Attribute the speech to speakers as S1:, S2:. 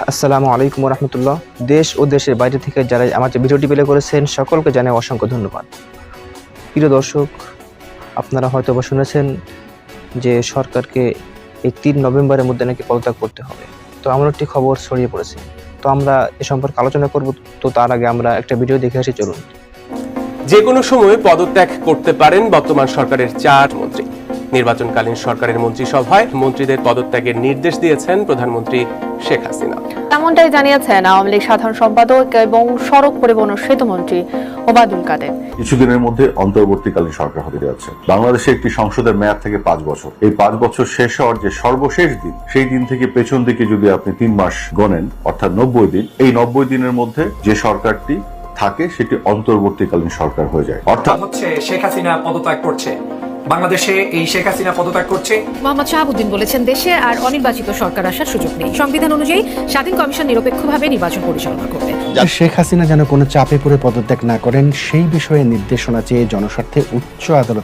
S1: আসসালামু আলাইকুম রহমতুল্লাহ। দেশ ও দেশের বাইরে থেকে যারা আমার যে ভিডিওটি প্লে করেছেন সকলকে জানাই অসংখ্য ধন্যবাদ। প্রিয় দর্শক, আপনারা হয়তো বা শুনেছেন যে সরকারকে এই ৩ নভেম্বরের মধ্যে নাকি পদত্যাগ করতে হবে। তো এমন একটি খবর ছড়িয়ে পড়েছে। তো আমরা এ সম্পর্কে আলোচনা করব। তো তার আগে আমরা একটা ভিডিও দেখে আসি, চলুন।
S2: যে কোনো সময় পদত্যাগ করতে পারেন বর্তমান সরকারের ৪ মন্ত্রী। নির্বাচনকালীন সরকারের মন্ত্রিসভায় মন্ত্রীদের পদত্যাগের নির্দেশ দিয়েছেন প্রধানমন্ত্রী শেখ হাসিনা।
S3: এমনটাই জানিয়েছেন আওয়ামী লীগ সাধারণ সম্পাদক এবং সড়ক পরিবহন ও সেতুমন্ত্রী ওবায়দুল কাদের।
S4: কিছুদিনের মধ্যে অন্তর্বর্তীকালীন সরকার হতে যাচ্ছে। বাংলাদেশে একটি সংসদের মেয়াদ থেকে ৫ বছর। এই ৫ বছর শেষ হওয়ার যে সর্বশেষ দিন, সেই দিন থেকে পেছন দিকে যদি আপনি ৩ মাস গণেন, অর্থাৎ ৯০ দিন, এই ৯০ দিনের মধ্যে যে সরকারটি থাকে সেটি অন্তর্বর্তীকালীন সরকার হয়ে যায়। অর্থাৎ
S5: হচ্ছে শেখ হাসিনা পদত্যাগ করছে, বাংলাদেশে এই শেখ হাসিনা পদত্যাগ করছে।
S6: মোহাম্মদ শাহাবুদ্দিন বলেছেন, দেশে আর অনির্বাচিত সরকার আসার সুযোগ নেই। সংবিধান অনুযায়ী স্বাধীন কমিশন নিরপেক্ষভাবে নির্বাচন পরিচালনা করবে।
S7: শেখ হাসিনা যেন কোনো চাপে পড়ে পদত্যাগ না করেন সেই বিষয়ে নির্দেশনা চেয়ে জনস্বার্থে উচ্চ আদালত